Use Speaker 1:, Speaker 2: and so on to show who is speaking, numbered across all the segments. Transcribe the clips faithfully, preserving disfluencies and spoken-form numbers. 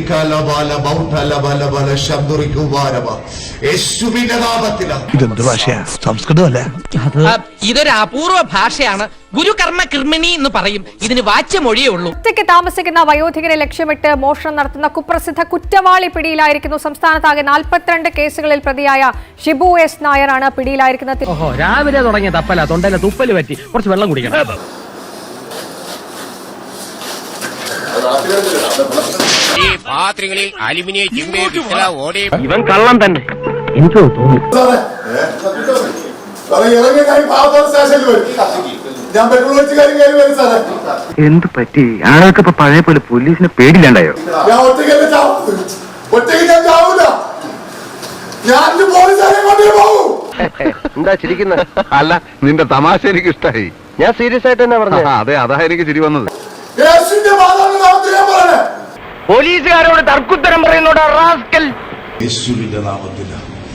Speaker 1: ഇതെന്ത് ഭാഷയാ? സംസ്കൃതമല്ല.
Speaker 2: ഇതൊരു അപൂർവ ഭാഷയാണ്. ഗുരുകർമ്മ കൃമിണി എന്ന് പറയും. ഇതിന് വാച്യമൊഴിയേ ഉള്ളൂ.
Speaker 3: ഒറ്റയ്ക്ക് താമസിക്കുന്ന വയോധികരെ ലക്ഷ്യമിട്ട് മോഷണം നടത്തുന്ന കുപ്രസിദ്ധ കുറ്റവാളി പിടിയിലായിരിക്കുന്നു. സംസ്ഥാനത്താകെ നാൽപ്പത്തിരണ്ട് കേസുകളിൽ പ്രതിയായ ഷിബു എസ് നായരാണ് പിടിയിലായിരിക്കുന്നത്.
Speaker 4: രാവിലെ തുടങ്ങിയ തപ്പല തൊണ്ടയിലെ തുപ്പല് പറ്റി കുറച്ച് വെള്ളം കുടിക്കണം.
Speaker 5: ഈ പാത്രങ്ങളിൽ അലുമിനിയം
Speaker 4: ഇവൻ കള്ളം തന്നെ. എനിക്ക് തോന്നി
Speaker 6: എന്ത് പറ്റി? ആളുകൾക്ക് ഇപ്പൊ പഴയ പോലെ പോലീസിനെ പേടില്ലാണ്ടായോ?
Speaker 7: എന്താ ചിരിക്കുന്നത്? അല്ല, നിന്റെ തമാശ എനിക്ക് ഇഷ്ടായി.
Speaker 6: ഞാൻ സീരിയസ് ആയിട്ട് തന്നെ പറഞ്ഞു.
Speaker 7: അതെ, അതാ എനിക്ക് ചിരി വന്നത്.
Speaker 4: പോലീസുകാരോട് തർക്കുത്തരം പറയുന്നോടാ റാസ്കൽ.
Speaker 1: യേശുവിന്റെ നാമത്തിൽ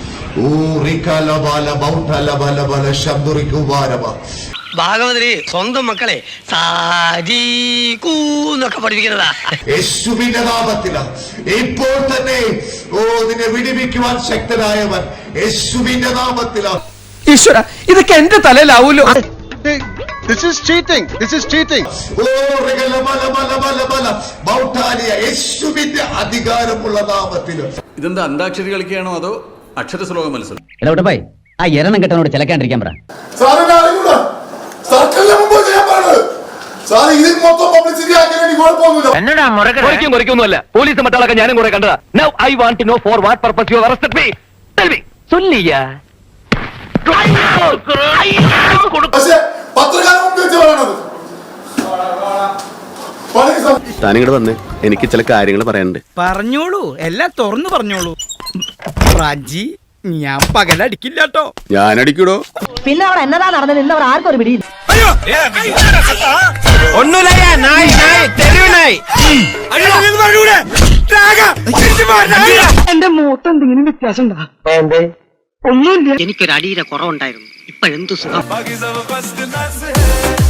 Speaker 2: ഭാഗവതരി സ്വന്തം മക്കളെ സാജീകൂന്നൊക്കെ പഠിപ്പിക്കുന്നതാ.
Speaker 1: യേശുവിന്റെ നാമത്തിൽ ഇപ്പോൾ തന്നെ ഓ നിന്നെ വിടിവിക്കുവാൻ ശക്തനായവൻ യേശുവിന്റെ നാമത്തിൽ.
Speaker 4: ഈശ്വര, ഇതൊക്കെ എന്റെ തലയിലാവൂലോ.
Speaker 7: This is cheating. This is cheating.
Speaker 1: യേശുവിന്റെ അധികാരമുള്ള നാമത്തിൽ.
Speaker 8: ഇതെന്താ അന്താക്ഷരി കളിക്കുകയാണോ അതോ അക്ഷര ശ്ലോക മത്സരം?
Speaker 4: എടോട്ടെ, ആ എരണം കെട്ടനോട് ചിലക്കാണ്ടിരിക്കാൻ പറ. എന്നോടാ പോലീസ് മറ്റാളൊക്കെ ഞാനും കുറെ കണ്ടതാ. Now I want to know for what purpose you arrested me. Tell me. ചൊല്ലിയാ
Speaker 7: താനിങ്ങോട് വന്നേ, എനിക്ക് ചില കാര്യങ്ങൾ പറയാനുണ്ട്.
Speaker 9: പറഞ്ഞോളൂ, എല്ലാം തുറന്നു പറഞ്ഞോളൂ. റാജി, ഞാൻ പകലടിക്കില്ലാട്ടോ.
Speaker 7: ഞാൻ അടിക്കൂടോ.
Speaker 10: പിന്നെ അവിടെ എന്നതാ നടന്നത് ഇന്നവർ ആർക്കും ഒരു പിടിയില്ല.
Speaker 9: എന്റെ മൂത്ത് എന്തെങ്കിലും വ്യത്യാസം ഉണ്ടാ? ഒന്നുമില്ല.
Speaker 2: എനിക്കൊരു അടിയുടെ കുറവുണ്ടായിരുന്നു. ഇപ്പോഴെന്തു സുഖം.